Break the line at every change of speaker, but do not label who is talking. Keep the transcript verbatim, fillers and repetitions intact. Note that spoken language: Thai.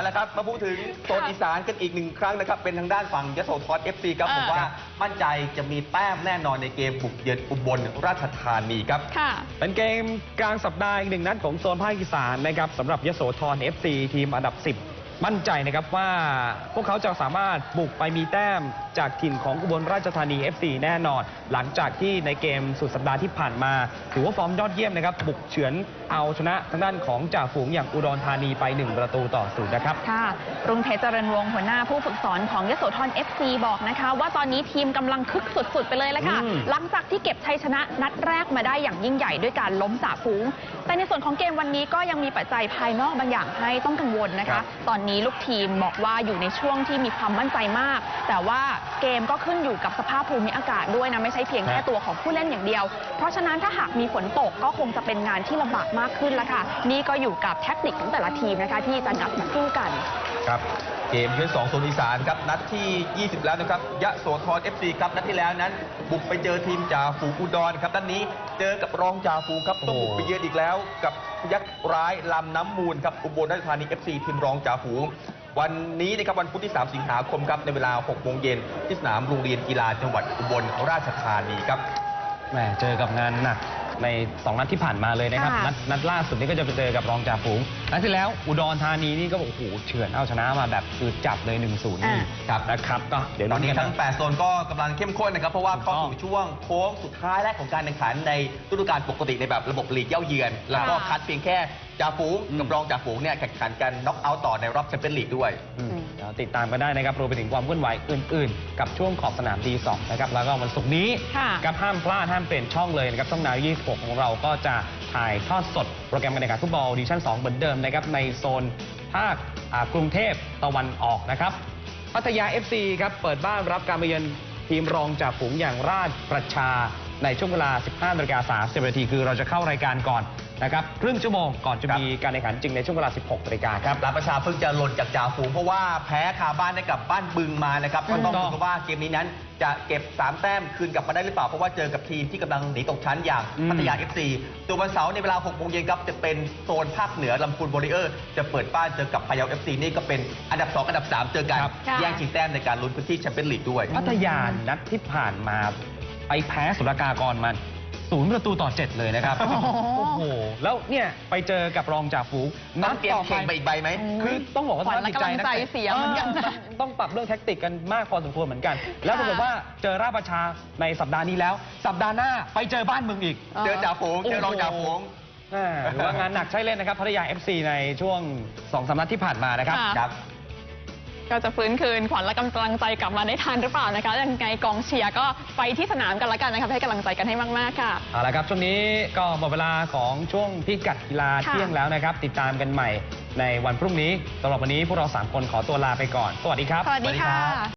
ละครับมาพูดถึงโซนอีสานกันอีกหนึ่งครั้งนะครับเป็นทางด้านฝั่งยโสธร เอฟ ซี ครับผมว่ามั่นใจจะมีแต้มแน่นอนในเกมบุกเยือนอุบลราชธานีครับ
เป็นเกมกลางสัปดาห์อีกหนึ่งนัดของโซนภาคอีสานนะครับสำหรับยโสธร เอฟ ซี ทีมอันดับสิบมั่นใจนะครับว่าพวกเขาจะสามารถบุกไปมีแต้มจากถิ่นของอุบลราชธานี เอฟ ซี แน่นอนหลังจากที่ในเกมสุดสัปดาห์ที่ผ่านมาถือว่าฟอร์มยอดเยี่ยมนะครับบุกเฉือนเอาชนะทางด้านของจ่าฝูงอย่างอุดรธานีไปหนึ่งประตูต่อศูนย์นะครับ
ค่ะรุ่งเพชรเจริญวงศ์หัวหน้าผู้ฝึกสอนของยโสธร เอฟ ซี บอกนะคะว่าตอนนี้ทีมกำลังคึกสุดๆไปเลยละค่ะหลังจากที่เก็บชัยชนะนัดแรกมาได้อย่างยิ่งใหญ่ด้วยการล้มจ่าฝูงแต่ในส่วนของเกมวันนี้ก็ยังมีปัจจัยภายนอกบางอย่างให้ต้องกังวลนะคะตอนนี้ลูกทีมบอกว่าอยู่ในช่วงที่มีความมั่นใจมากแต่ว่าเกมก็ขึ้นอยู่กับสภาพภูมิอากาศด้วยนะไม่ใช่เพียงแค่ตัวของผู้เล่นอย่างเดียวเพราะฉะนั้นถ้าหากมีฝนตกก็คงจะเป็นงานที่ลำบากมากขึ้นแล้วค่ะนี่ก็อยู่กับแทคนิคของแต่ละทีมนะคะที่จะนัดมาสู้กัน
ครับเกมเยือนสองโซนอีสานครับนัดที่ยี่สิบแล้วนะครับยโสธร เอฟ ซี ครับนัดที่แล้วนั้นบุกไปเจอทีมจ่าฝูงอุดรครับนัดนี้เจอกับรองจ่าฝูงครับต้องบุกไปเยือนอีกแล้วกับยักษ์ร้ายลำน้ำมูลครับอุบลราชธานี เอฟ ซี ทีมรองจ่าฝูงวันนี้นะครับวันพุธที่สามสิงหาคมครับในเวลาหกโมงเย็นที่สนามโรงเรียนกีฬาจังหวัดอุบลราชธานีครับ
แหมเจอกับงานหนักในสองนัดที่ผ่านมาเลยนะครับนัดนัดล่าสุดนี้ก็จะไปเจอกับรองจ่าฝูงนัดที่แล้วอุดรธานีนี่ก็โอ้โหเฉือนเอาชนะมาแบบคือจับเลย หนึ่งศูนย์ นี่ครับนะครับก็เดี๋ยว
ตอนนี้ทั้งแปดโซนก็กำลังเข้มข้นนะครับเพราะว่าเข้าสู่ช่วงโค้งสุดท้ายแรกของการแข่งขันในฤดูกาลปกติในแบบระบบลีกเย่าเยือนแล้วก็คัดเพียงแค่จ่าฝูงกับรองจ่าฝูงเนี่ยแข่งขันกันน็อกเอาท์ต่อในรอบแชมเปี้ยนลีกด้วย
ติดตามกันได้นะครับรวมไปถึงความเคลื่อนไหวอื่นๆกับช่วงขอบสนาม ดี สอง นะครับแล้วก็วันศุกร์นี้กับห้ามพลาดห้ามเปลี่ยนช่องเลยนะครับช่องนาวยี่สิบหกของเราก็จะถ่ายทอดสดโปรแกรมการแข่งขันฟุตบอลดิวิชั่นสองเหมือนเดิมนะครับในโซนภาคกรุงเทพตะวันออกนะครับพัทยา เอฟ ซี ครับเปิดบ้านรับการมาเยือนทีมรองจ่าฝูงอย่างราชประชาในช่วงเวลา สิบห้านาฬิกาสามสิบนาทีคือเราจะเข้ารายการก่อนนะครับครึ่งชั่วโมงก่อนจะมีการแข่งขันจริงในช่วงเวลา สิบหกนาฬิกาครับ
ราชประชาเพิ่งจะหล่นจากจ่าฝูงเพราะว่าแพ้คาบ้านให้กับบ้านบึงมานะครับก็ต้องดูว่าเกมนี้นั้นจะเก็บสามแต้มคืนกลับมาได้หรือเปล่าเพราะว่าเจอกับทีมที่กำลังหนีตกชั้นอย่างพัทยา เอฟ ซี ตัววันเสาร์ในเวลาหกโมงเย็นครับจะเป็นโซนภาคเหนือลำพูนวอริเออร์จะเปิดบ้านเจอกับพะเยา เอฟ ซี นี่ก็เป็นอันดับสองอันดับสามเจอกันแย่งชิงแต้มในการลุ้นพื้นที่แชมเปี้ยนลีกด้วย
พัทยานัดที่ผ่านมาไปแพ้สุรากากรมันศูนย์ประตูต่อเจ็ดเลยนะครับโอ้โหแล้วเนี่ยไปเจอกับรองจ่าฝูง
นัดต่อไปอีกใบไหม
คือต้องบอกว่า
สภาพจิตใจนะเสียเหมือนกัน
ต้องปรับเรื่องแท็กติกกันมากพอสมควรเหมือนกันแล้วปรากฏว่าเจอราชประชาในสัปดาห์นี้แล้วสัปดาห์หน้าไปเจอบ้านเมืองอีก
เจอจ่าฝูงเจอรองจ่าฝูง
หรือว่างานหนักใช่เล่นนะครับพัทยา เอฟ ซี ในช่วงสองสามนัดที่ผ่านมานะครับ
ก็จะฟื้นคืนขวัญและกำลังใจกลับมาได้ทันหรือเปล่านะคะยังไงกองเชียร์ก็ไปที่สนามกันแล้วกันนะคะให้กำลังใจกันให้มากๆค่ะ
เอาละครับช่วงนี้ก็หมดเวลาของช่วงพิกัดกีฬาเที่ยงแล้วนะครับติดตามกันใหม่ในวันพรุ่งนี้สำหรับวันนี้พวกเราสามคนขอตัวลาไปก่อนสวัสดีครับ
สวัสดีค่ะ